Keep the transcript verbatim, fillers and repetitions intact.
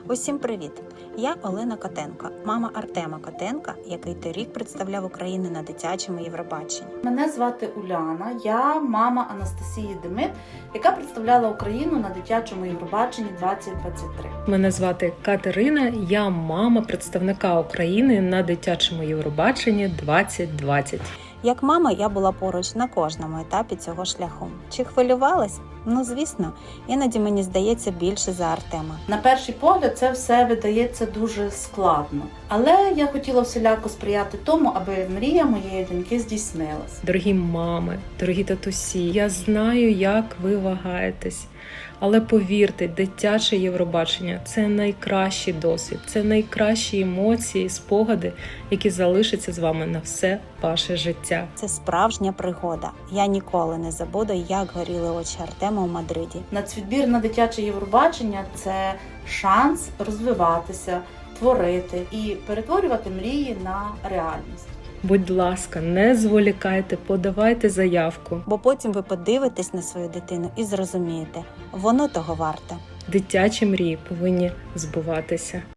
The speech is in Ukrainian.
Усім привіт! Я Олена Котенко, мама Артема Котенка, який торік представляв Україну на дитячому Євробаченні. Мене звати Уляна, я мама Анастасії Демит, яка представляла Україну на дитячому Євробаченні двадцять двадцять три. Мене звати Катерина, я мама представника України на дитячому Євробаченні двадцять двадцять. Як мама я була поруч на кожному етапі цього шляху. Чи хвилювалась? Ну, звісно, іноді мені здається більше за Артема. На перший погляд це все видається дуже складно, але я хотіла всіляко сприяти тому, аби мрія моєї доньки здійснилась. Дорогі мами, дорогі татусі, я знаю, як ви вагаєтесь. Але повірте, дитяче Євробачення – це найкращий досвід, це найкращі емоції, спогади, які залишаться з вами на все ваше життя. Це справжня пригода. Я ніколи не забуду, як горіли очі Артема у Мадриді. Нацвідбір на дитяче Євробачення – це шанс розвиватися, творити і перетворювати мрії на реальність. Будь ласка, не зволікайте, подавайте заявку. Бо потім ви подивитесь на свою дитину і зрозумієте, воно того варте. Дитячі мрії повинні збуватися.